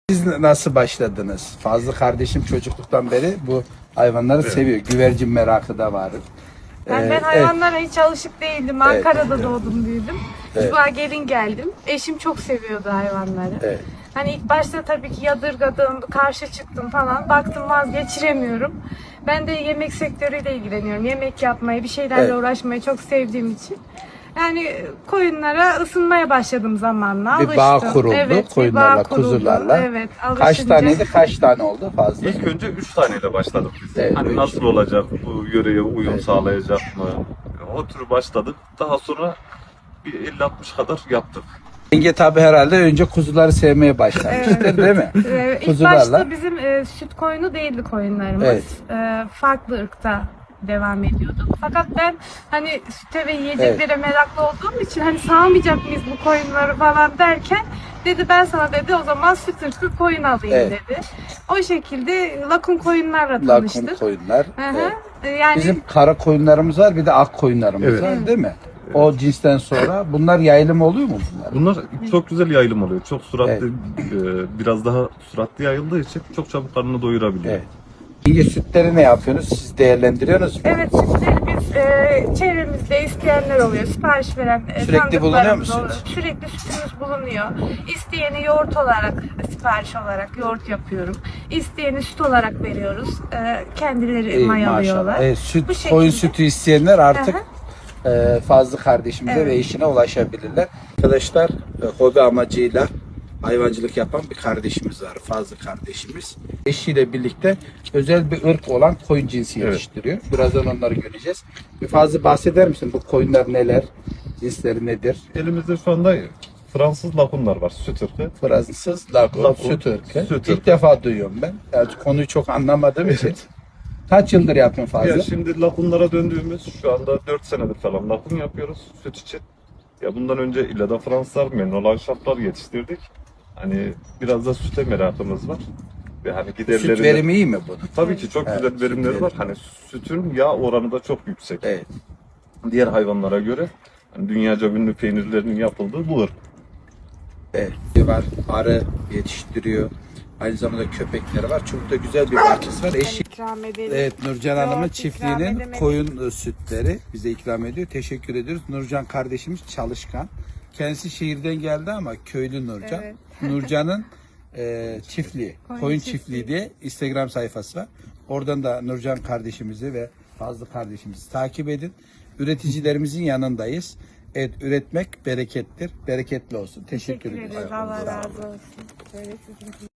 Siz nasıl başladınız? Fazlı kardeşim çocukluktan beri bu hayvanları seviyor. Güvercin merakı da vardır. Ben hayvanlara hiç alışık değildim. Ankara'da doğdum, büyüdüm. Evet. Buraya gelin geldim. Eşim çok seviyordu hayvanları. Evet. Hani ilk başta tabii ki yadırgadım, karşı çıktım falan. Baktım vazgeçiremiyorum. Ben de yemek sektörüyle ilgileniyorum. Yemek yapmayı, bir şeylerle Evet. uğraşmayı çok sevdiğim için. Yani koyunlara ısınmaya başladım zamanla. Bir bağ Alıştım. kuruldu Evet, bir koyunlarla, bağ kuruldu. kuzularla. Evet, Kaç alışınca. taneydi, kaç tane oldu fazla? İlk önce 3 taneyle başladık biz. Evet, Hani üç. nasıl olacak, bu yöreye uyum Evet. sağlayacak mı? O tür başladık. Daha sonra bir 50-60 kadar yaptık. Yenge tabi herhalde önce kuzuları sevmeye başlamıştır değil mi? İlk Kuzularla. başta bizim süt koyunu değildi koyunlarımız. Evet. Farklı ırkta devam ediyorduk. Fakat ben hani süte ve yiyeceklere meraklı olduğum için hani sağmayacak mıyız bu koyunları falan derken dedi ben sana dedi o zaman süt ırkı koyun alayım Evet. dedi. O şekilde lakun koyunlarla Lakun tanıştık. koyunlar. Hı hı. Evet. Yani Bizim kara koyunlarımız var, bir de ak koyunlarımız Evet. var değil mi? O cinsten sonra bunlar yayılım oluyor mu bunlar? Bunlar çok güzel yayılım oluyor. Çok süratli, biraz daha süratli yayıldığı için çok çabuk karnını doyurabiliyor. Evet. Yenge sütleri ne yapıyorsunuz? Siz değerlendiriyorsunuz mu? evet sütleri biz çevremizde isteyenler oluyor. Sipariş veren Sürekli tanıdıklarımız bulunuyor musunuz? oluyor. Sürekli sütümüz bulunuyor. İsteyeni yoğurt olarak, sipariş olarak yoğurt yapıyorum. İsteyeni süt olarak veriyoruz. Kendileri İyi, mayalıyorlar. maşallah. Evet, süt, Bu şekilde. koyun sütü isteyenler artık Hı Fazlı kardeşimize ve eşine ulaşabilirler. Arkadaşlar hobi amacıyla hayvancılık yapan bir kardeşimiz var. Fazlı kardeşimiz. Eşiyle birlikte özel bir ırk olan koyun cinsi Evet. yetiştiriyor. Birazdan onları göreceğiz. Bir Fazlı bahseder misin? Bu koyunlar neler? Cinsleri nedir? Elimizde şu anda Fransız lakunlar var, süt ırkı. Fransız, lakun, Lakun, süt ırkı. süt İlk ırkı. defa duyuyorum ben. Yani konuyu çok anlamadığım için. Kaç yıldır yapıyorsun Fazlı? Ya şimdi lakunlara döndüğümüz şu anda 4 senedir falan lakun yapıyoruz süt için. Ya bundan önce İlla'da Fransızlar, Menol Ahşaplar yetiştirdik. Hani biraz da süte merakımız var. Ve hani giderlerinde... Süt verimi iyi mi bunun? Tabii ki çok Evet, güzel süt verimleri var. verimi. Hani sütün yağ oranı da çok yüksek. Evet. Diğer hayvanlara göre hani dünyaca ünlü peynirlerinin yapıldığı bu ırk. Evet. Var, arı yetiştiriyor. Aynı zamanda köpekleri var. Çok da güzel bir bahçesi var. Eşi. ikram edelim. Evet, Nurcan Hanım'ın Yoğurt ikram çiftliğinin edemedik. koyun sütleri bize ikram ediyor. Teşekkür ediyoruz. Nurcan kardeşimiz çalışkan. Kendisi şehirden geldi ama köylü Nurcan. Evet. Nurcan'ın çiftliği, Koyun koyun çiftliği. çiftliği diye Instagram sayfası var. Oradan da Nurcan kardeşimizi ve Fazlı kardeşimizi takip edin. Üreticilerimizin yanındayız. Evet, üretmek berekettir. Bereketli olsun. Teşekkür ediyoruz. Allah razı olsun. Böyle sizin